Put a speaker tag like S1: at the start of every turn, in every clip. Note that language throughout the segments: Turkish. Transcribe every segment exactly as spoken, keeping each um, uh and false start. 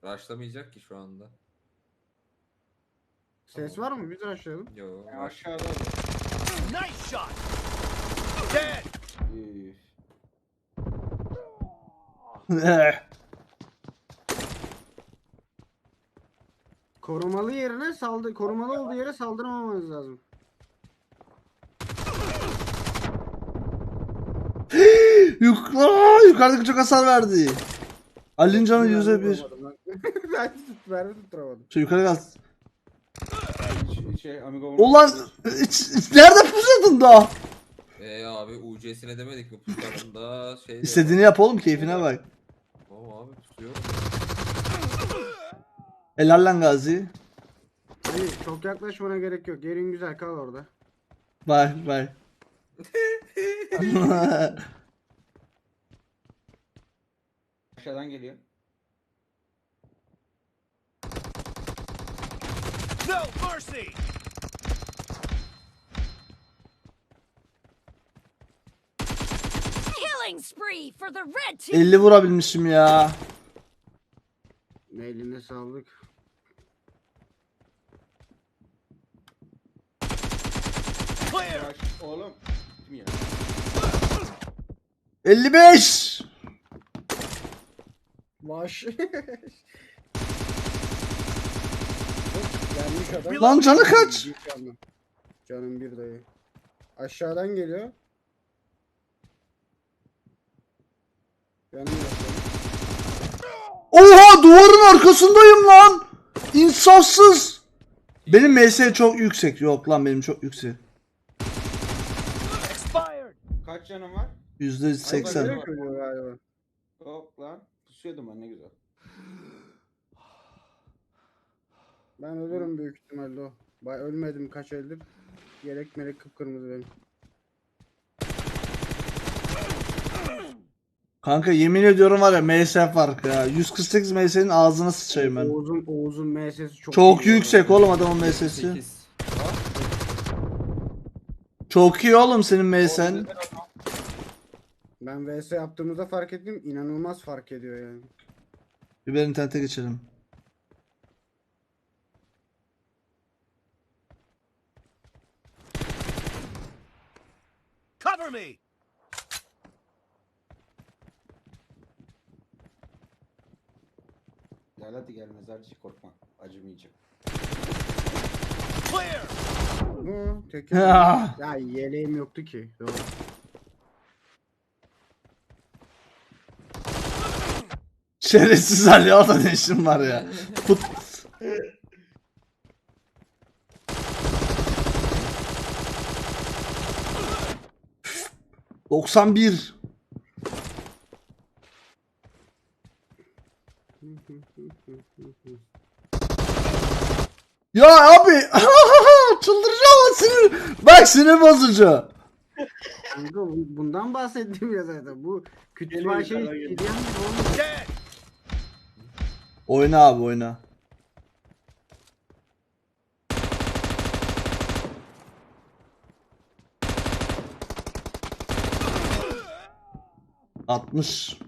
S1: Rushlamayacak ki şu anda.
S2: Ses
S1: Tamam.
S2: var mı? Biz aşağılayalım.
S1: Yo.
S3: Ya aşağıda.
S4: Nice shot. Dead.
S3: Üf.
S2: Korumalı yerine saldı korumalı olduğu yere saldırmamanız lazım.
S5: Yuk Aa, yukarıdaki çok hasar verdi. Ali'nin canı
S2: Ben
S5: yüzde bir.
S2: vuramadım lan. Ben tut, mermi tutturamadım.
S5: Şey yukarı gel.
S3: Şey, şey amigo.
S5: Ulan iç- iç- nerede pusatın daha?
S1: Eee abi U C'sine demedik mi puslarında şey.
S5: İstediğini yap oğlum, keyfine bak.
S1: Tamam abi tutuyor.
S5: Helal lan Gazi.
S2: Hayır çok yaklaşmana gerek yok. Yerin güzel, kal orada.
S5: Bak bak.
S3: Aşağıdan geliyor.
S4: No mercy.
S6: Killing spree for the red team.
S5: elli vurabilmişim ya.
S2: Eline sağlık.
S4: Clear.
S3: Yavaş oğlum. Kim ya?
S5: elli beş.
S2: Vaş. Gelmiş adam.
S5: Lan canı kaç?
S2: Bir canım. Canım bir dayı. Aşağıdan geliyor. Canım yok.
S5: Oha, duvarın arkasındayım lan. İnsafsız. Benim M S çok yüksek. Yok lan, benim çok yüksek.
S4: Expired.
S3: Kaç canım var?
S5: yüzde seksen.
S2: Direkt ölüyor galiba.
S3: Yok lan. Pusuyordum ben, ne güzel.
S2: Ben ölürüm büyük ihtimalle o. Bay ölmedim kaç eldir. Yelek melek kıpkırmızı benim.
S5: Kanka yemin ediyorum var ya, M S farkı ya. yüz kırk sekiz M S'nin ağzına sıçayım ben.
S2: Oğuz'un Oğuz'un M S'si çok
S5: Çok
S2: iyi
S5: yüksek
S2: bu
S5: oğlum adamın M S'si.
S1: sekiz.
S5: Çok iyi oğlum senin M S'en.
S2: Ben V S yaptığımızda fark ettim. İnanılmaz fark ediyor yani.
S5: Bir ben internete geçelim.
S4: Cover me.
S3: Gel hadi gel, mezarcı, korkma. Acımayacak.
S4: Clear.
S2: Bu tek
S5: Ya.
S2: ya yeleğim yoktu ki. Doğru.
S5: Şerefsiz Ali, o da ne işin var ya. Put. doksan bir. Ya abi çıldıracağım lan, sinir. Bak, sinir bozucu.
S2: Kanka bu- bundan bahsettim ya zaten. Bu kütüphane
S3: Geliyor,
S2: şey
S3: yukarıdan geliyor.
S2: hediyen gibi olmuyor.
S4: Dead.
S5: Oyna abi, oyna. altmış.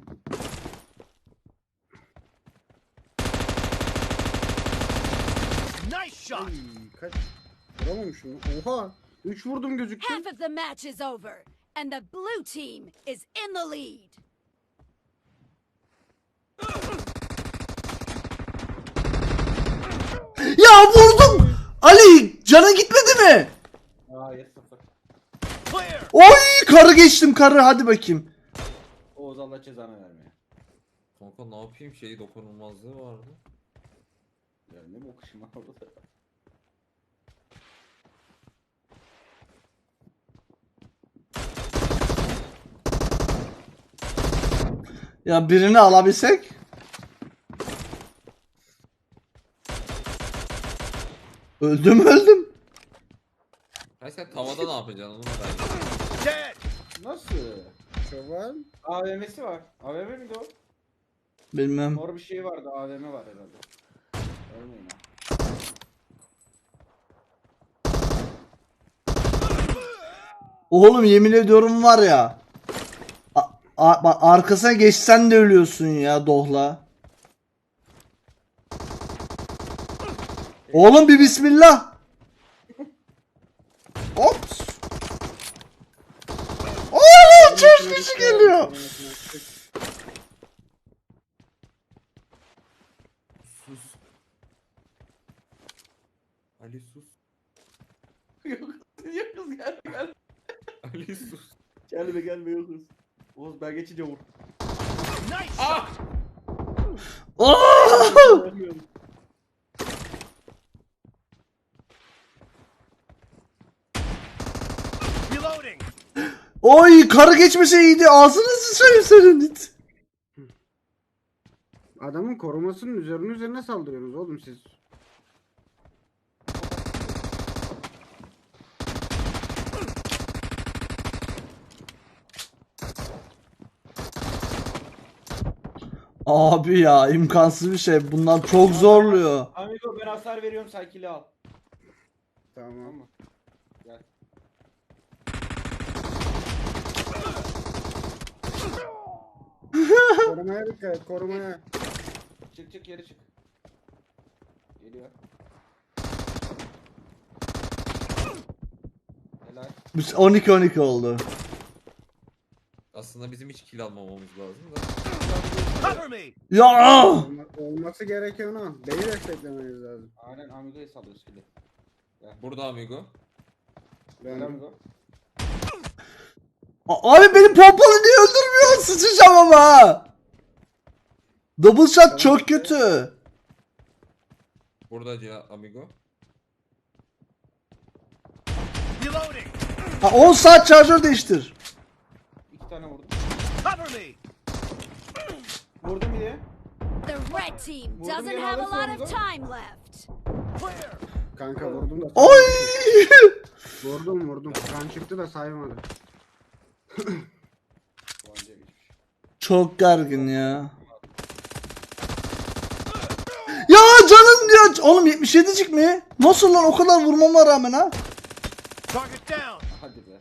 S4: Nice shot.
S2: Ay, kaç? Vuramamışım. Oha. üç vurdum gözüktü.
S6: Half of the match is over, and the blue team is in the lead.
S5: Ya vurdum. Ali, canın gitmedi mi?
S3: Aa, yes sıfır.
S4: Clear.
S5: Oy, karı geçtim, karı, hadi bakayım.
S3: Oğuz, Allah cezanı vermeye.
S1: Kanka ne yapayım, şeyi dokunulmazlığı vardı.
S3: Ya ne bok işim var orada.
S5: Ya birini alabilsek. Öldüm öldüm.
S1: Hayır sen tavada ne yapacaksın onu merak ediyorum.
S4: Dead.
S3: Nasıl?
S2: Çoban.
S3: A V M'si var. A V M miydi o?
S5: Bilmem.
S3: Mor bir şey vardı. A V M var herhalde. Ölmeyin ha.
S5: Oğlum yemin ediyorum var ya. A- a- bak, arkasına geçsen de ölüyorsun ya, dohla. Oğlum bir bismillah. Ops. Oğlum çöş kişi geliyor.
S1: Sus. Ali sus.
S3: Yok kız gel gel.
S1: Ali sus.
S3: Gelme gelme yok kız. Oğuz ben geçince vur.
S4: Nice
S1: Ah!
S4: shot.
S5: Oo!
S4: Reloading.
S5: Oy karı geçmese iyiydi. Ağzını sıçrayım senin.
S2: Adamın korumasının üzerine üzerine saldırıyorsunuz oğlum siz.
S5: Abi ya imkansız bir şey. Bunlar çok zorluyor.
S3: Amigo ben hasar veriyorum sen kili al. Tamam
S2: Tamam.
S3: mı? Gel.
S2: Korumaya dikkat et, korumaya.
S3: Çık çık geri çık. Geliyor. Helal.
S5: Biz on iki on iki oldu.
S1: Aslında bizim hiç kill almamamız lazım da.
S4: Cover me.
S5: Ya!
S2: Olma- olması gereken o. Beni desteklemeniz lazım.
S3: Aynen Amigo'yu salıyoruz kili.
S1: Burada amigo.
S2: Ben
S3: Gel Amigo.
S5: A- Abi benim pompalı niye öldürmüyor? Sıçacağım ama. Double shot çok kötü.
S1: Burada ya amigo.
S4: Reloading.
S5: Ha, on saat şarjör değiştir.
S3: İki tane vurdum.
S4: Cover me.
S3: Vurdum bir de.
S6: The red team
S3: Vurdum
S6: doesn't
S3: yere
S6: have a
S3: alırsa
S6: lot of
S3: onu.
S6: time left.
S4: Clear.
S2: kanka vurdum da.
S5: Oy!
S2: Vurdum vurdum. Kan çıktı da saymadı.
S3: Tabanca geçmiş.
S5: Çok gergin ya. Ya canım diyor. Oğlum yetmiş yedicik mi? Nasıl lan o kadar vurmama rağmen ha?
S4: Target down.
S3: Hadi be.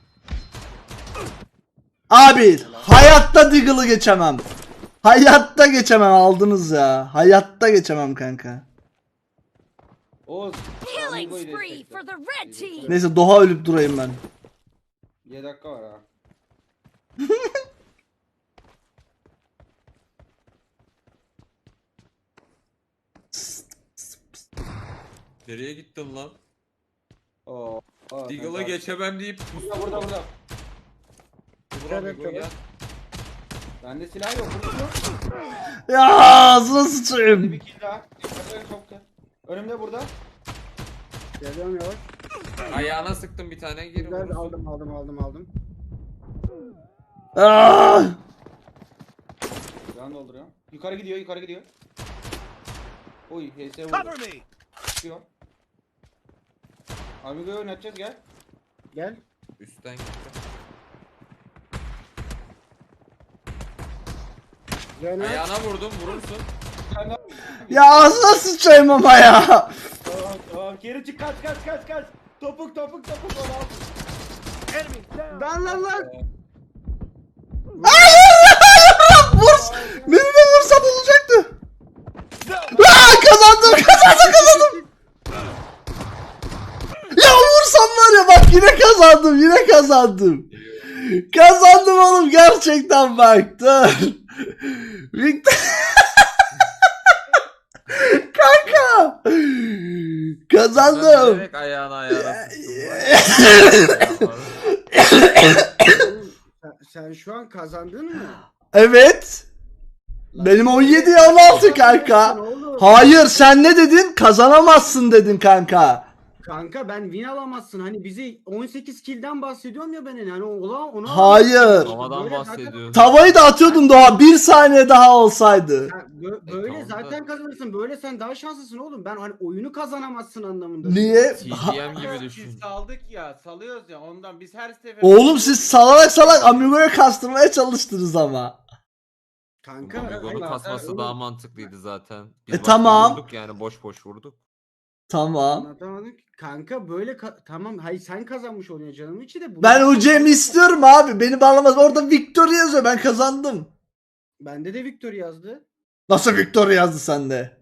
S5: Abi hayatta Deagle'ı geçemem. Hayatta geçemem aldınız ya. Hayatta geçemem kanka.
S3: Oğuz.
S6: Killing
S3: Amigo'yu
S6: spree
S3: destekle.
S6: for the red team.
S5: Neyse Doğa ölüp durayım ben.
S3: yedi dakika var ha.
S1: Nereye gittin lan?
S3: Oo. oo,
S1: Deagle'a
S3: sen-
S1: geçemem deyip
S3: Burada burada burada.
S1: Vur
S2: Evet,
S1: amigo
S2: evet.
S1: gel.
S3: Bende silah yok. Vurdum yok.
S5: Ya ağzına
S3: Hadi
S5: sıçayım.
S3: bir kill daha. Hadi çok gel. Önümde burada.
S2: Geliyorum yavaş.
S1: Ayağına sıktım bir tane geri
S2: Güzel
S1: vurursun.
S2: aldım aldım aldım aldım.
S5: Ah!
S3: Can dolduruyorum. Yukarı gidiyor yukarı gidiyor. Oy H S
S4: Cover
S3: vurdu.
S4: me.
S3: Çıkıyor. Amigo'yu oynatacağız gel.
S2: Gel.
S1: Üstten gitti.
S2: Gel.
S1: Ayağına vurdum vurursun.
S3: Sen de...
S5: Ya ağzına sıçayım ama ya.
S3: Tamam tamam geri çık kaç kaç kaç kaç. Topuk topuk topuk onu al.
S4: Enemy down.
S2: Lan lan lan.
S5: Vur. Beni de vursam olacaktı.
S4: No.
S5: Aa, kazandım kazandım kazandım. Ya vursam var ya bak yine kazandım yine kazandım. Kazandım oğlum gerçekten bak dur. Victor. Kanka. Kazandım.
S1: Direkt ayağına ayağına sıktım.
S2: Sen, sen şu an kazandın mı?
S5: Evet. Benim on yedi on altı kanka. Hayır sen ne dedin? Kazanamazsın dedin kanka.
S2: Kanka ben win alamazsın. Hani bizi on sekiz kill'den bahsediyorum ya ben hani ola onu
S5: Hayır.
S1: Havadan
S2: Böyle zaten-
S1: bahsediyorsun.
S5: Tavayı da atıyordum Doğa. Bir saniye daha olsaydı.
S2: Ha, bö- böyle
S1: E, tamam da-
S2: zaten kazanırsın. Böyle sen daha şanslısın oğlum. Ben hani oyunu kazanamazsın anlamında.
S5: Niye?
S1: T D M gibi düşün.
S3: Biz saldık ya salıyoruz ya ondan biz her sefer.
S5: Oğlum siz salak salak Amigo'ya kastırmaya çalıştınız ama.
S2: Kanka
S1: Amigo'nun
S2: hayır,
S1: kasması
S2: oğlum,
S1: daha mantıklıydı zaten. Biz
S5: E,
S1: başta
S5: tamam.
S1: Vurduk yani boş boş vurduk.
S5: Tamam.
S2: anlatamadım ki. Kanka böyle ka- tamam hayır sen kazanmış oluyor canım içi de. bu-
S5: Ben Ucem'i istiyorum abi. Beni bağlamaz. Orada Victory yazıyor. Ben kazandım.
S2: Bende de Victor yazdı.
S5: Nasıl Victory yazdı sende?